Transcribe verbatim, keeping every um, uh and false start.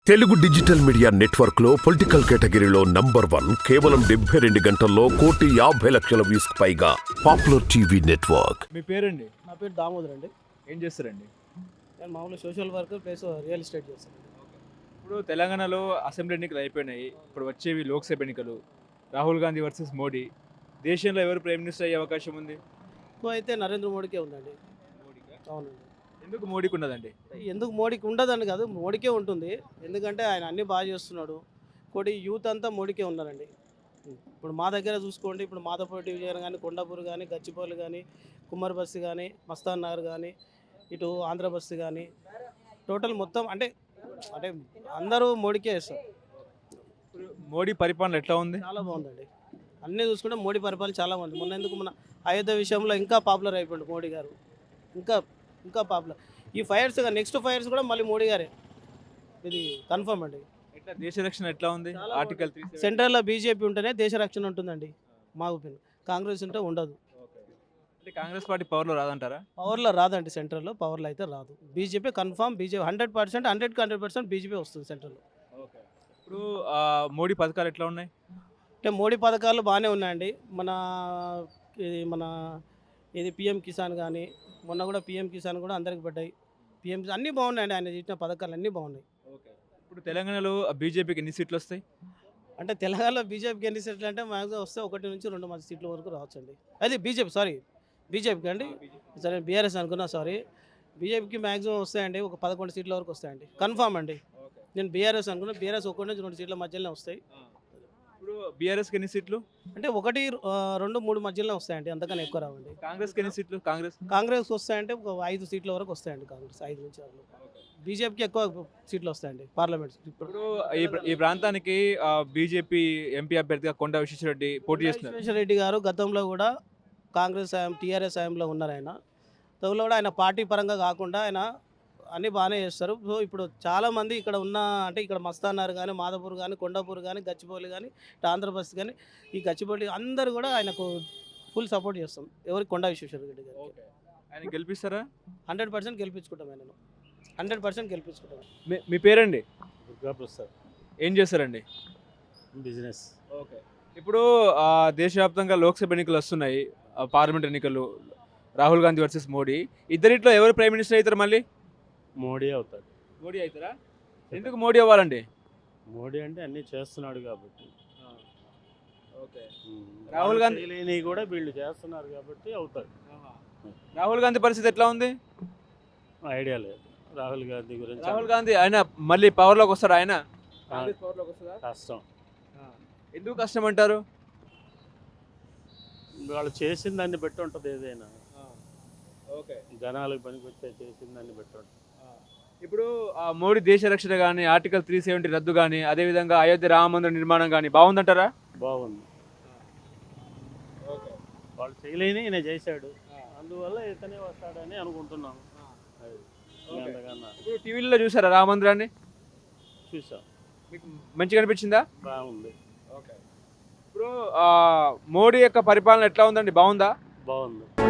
Telugu digital media network లో political కేటగిరీలో number one కేవలం డెబ్బై రెండు గంటల్లో కోటి యాభై లక్షల వ్యూస్ పైగా పాపులర్ టీవీ నెట్వర్క్. మీ పేరండి? నా పేరు దామోదర్ అండి. ఏం చేస్తారండి? నేను మామూలు social work plus real estate చేస్తాను. ఇప్పుడు తెలంగాణలో అసెంబ్లీ ఎన్నికలు అయిపోయినాయి, ఇప్పుడు వచ్చేవి లోక్సభ ఎన్నికలు. రాహుల్ గాంధీ వర్సెస్ మోడీ. దేశంలో ఎవరు ప్రైమ్ మినిస్టర్ అయ్యే అవకాశం ఉంది? ఎక్కువ అయితే నరేంద్ర మోడీకే ఉందండి. మోడీకా? అవునండి. ఎందుకు మోడీకి ఉన్నదండి? ఎందుకు మోడీకి ఉండదని కాదు, మోడీకే ఉంటుంది. ఎందుకంటే ఆయన అన్నీ బాగా చేస్తున్నాడు. ఇంకోటి యూత్ అంతా మోడీకే ఉన్నారండి. ఇప్పుడు మా దగ్గర చూసుకోండి, ఇప్పుడు మాధవపేట విజయనగరం కానీ, కొండాపూర్ కానీ, గచ్చిపల్లి కానీ, కుమ్మరి బస్తి కానీ, మస్తాన్ నగర్ కానీ, ఇటు ఆంధ్ర బస్తి కానీ, టోటల్ మొత్తం అంటే అంటే అందరూ మోడీకే వేస్తారు. ఇప్పుడు మోడీ పరిపాలన ఎట్లా ఉంది? చాలా బాగుందండి. అన్నీ చూసుకుంటే మోడీ పరిపాలన చాలా బాగుంది. మొన్న ఎందుకు మన అయోధ్య విషయంలో ఇంకా పాపులర్ అయిపోయింది మోడీ గారు. ఇంకా ఇంకా పాపులర్. ఈ ఫైర్స్ నెక్స్ట్ ఫైర్స్ కూడా మళ్ళీ మోడీ గారే, ఇది కన్ఫర్మ్ అండి. ఎట్లా దేశ రక్షణ ఎట్లా ఉంది? ఆర్టికల్ త్రీ సెంట్రల్లో బీజేపీ ఉంటేనే దేశ రక్షణ ఉంటుందండి మా ఒపీనియన్. కాంగ్రెస్ ఉంటే ఉండదు. అంటే కాంగ్రెస్ పార్టీ పవర్లో రాదంటారా? పవర్లో రాదండి, సెంట్రల్లో పవర్లో అయితే రాదు. BJP confirm, BJP hundred percent హండ్రెడ్కి హండ్రెడ్ పర్సెంట్ బీజేపీ వస్తుంది సెంట్రల్లో. ఇప్పుడు ఆ, మోడీ పథకాలు ఎట్లా ఉన్నాయి? అంటే మోడీ పథకాలు బాగానే ఉన్నాయండి. మన ఇది మన ఇది పిఎం కిసాన్ కానీ, మొన్న కూడా పిఎం కిసాన్ కూడా అందరికి పడ్డాయి. పిఎం అన్నీ బాగున్నాయండి, ఆయన చేసిన పథకాలు అన్నీ బాగున్నాయి. ఇప్పుడు తెలంగాణలో బీజేపీకి ఎన్ని సీట్లు వస్తాయి? అంటే తెలంగాణలో బీజేపీకి ఎన్ని సీట్లు అంటే మ్యాక్సిమం వస్తే ఒకటి నుంచి రెండు మంది సీట్ల వరకు రావచ్చండి. అది బీజేపీ, సారీ బీజేపీకి అండి, సరే బీఆర్ఎస్ అనుకున్నా, సారీ బీజేపీకి మ్యాక్సిమం వస్తాయండి, ఒక పదకొండు సీట్ల వరకు వస్తాయండి కన్ఫామ్ అండి. నేను బీఆర్ఎస్ అనుకున్నా, బీఆర్ఎస్ ఒకటి నుంచి రెండు సీట్ల మధ్యలోనే వస్తాయి. ఇప్పుడు బీఆర్ఎస్కి ఎన్ని సీట్లు? అంటే ఒకటి ఆ, రెండు మూడు మధ్యలోనే వస్తాయండి, అంతకన్నా ఎక్కువ రావండి. కాంగ్రెస్కి ఎన్ని సీట్లు? కాంగ్రెస్ కాంగ్రెస్ వస్తాయంటే ఒక ఐదు సీట్ల వరకు వస్తాయండి, కాంగ్రెస్ ఐదు నుంచి ఆరు. బీజేపీకి ఎక్కువ సీట్లు వస్తాయండి పార్లమెంట్. ఇప్పుడు ఇప్పుడు ఈ ప్ర- ఈ ప్రాంతానికి బీజేపీ ఎంపీ అభ్యర్థిగా కొండా విశ్వేశ్వరరెడ్డి పోటీ చేస్తున్నారు. విశ్వేశ్వరరెడ్డి గారు గతంలో కూడా కాంగ్రెస్ హయాం టీఆర్ఎస్ హయాంలో ఉన్నారు. ఆయన గతంలో కూడా ఆయన పార్టీ పరంగా కాకుండా ఆయన అన్నీ బాగానే చేస్తారు. సో ఇప్పుడు చాలామంది ఇక్కడ ఉన్న అంటే ఇక్కడ మస్తానార్ కానీ, మాధవపూర్ కానీ, కొండాపూర్ కానీ, గచ్చిబౌలి కానీ, ఇటు ఆంధ్రప్రదేశ్ కానీ, ఈ గచ్చిబౌలి అందరూ కూడా ఆయనకు ఫుల్ సపోర్ట్ చేస్తాం. ఎవరికి? కొండా విశ్వేశ్వరరెడ్డి గారికి ఆయన గెలిపిస్తారా? హండ్రెడ్ పర్సెంట్ గెలిపించుకుంటాం. ఆయనను హండ్రెడ్ పర్సెంట్ గెలిపించుకుంటాం. మీ- మీ పేరండి? దుర్గా ప్రసాద్. ఏం చేస్తారండి? బిజినెస్. ఓకే. ఇప్పుడు ఆ, దేశవ్యాప్తంగా లోక్సభ ఎన్నికలు వస్తున్నాయి, ఆ, పార్లమెంట్ ఎన్నికలు. రాహుల్ గాంధీ వర్సెస్ మోడీ. ఇద్దరిట్లో ఎవరు ప్రైమ్ మినిస్టర్ అవుతారు మళ్ళీ? మోడీ అవుతాడు. మోడీ అవుతారా? ఎందుకు మోడీ అవ్వాలండి? మోడీ అంటే అన్నీ చేస్తున్నాడు కాబట్టి. ఓకే. ఉమ్. రాహుల్ గాంధీ- చేయలేనివి కూడా వీళ్ళు చేస్తున్నారు కాబట్టి అవుతాడు. రాహుల్ గాంధీ పరిస్థితి ఎట్లా ఉంది? ఐడియా లేదు రాహుల్ గాంధీ గురించి. రాహుల్ గాంధీ ఆయన మళ్ళీ పవర్లోకి వస్తాడు? ఆయన కాంగ్రెస్ పవర్లోకి వస్తుందా? కష్టం. ఎందుకు కష్టం అంటారు? వాళ్ళు చేసిన దాన్ని బట్టి ఉంటుంది. ఏదైనా ఓకే. జనాలకు పనికొచ్చే చేసిన దాన్ని బట్టి ఉంటుంది. ఇప్పుడు ఆ, మోడీ దేశ రక్షణ కానీ, ఆర్టికల్ త్రీ సెవెంటీ రద్దు కానీ, అదేవిధంగా అయోధ్య రామ మందిర నిర్మాణం కానీ బాగుందంటారా? బాగుంది. వాళ్ళు చేయలేని ఈయన చేశాడు, అందువల్ల ఇతనే వస్తాడని అనుకుంటున్నాము. అది. అంతకన్నా ఇప్పుడు టీవీలో చూసారా రామ మందిరాన్ని? చూసాం, మీకు మంచిగా అనిపించిందా? బాగుంది. ఓకే. ఇప్పుడు ఆ, మోడీ యొక్క పరిపాలన ఎట్లా ఉందండి? బాగుందా? బాగుంది.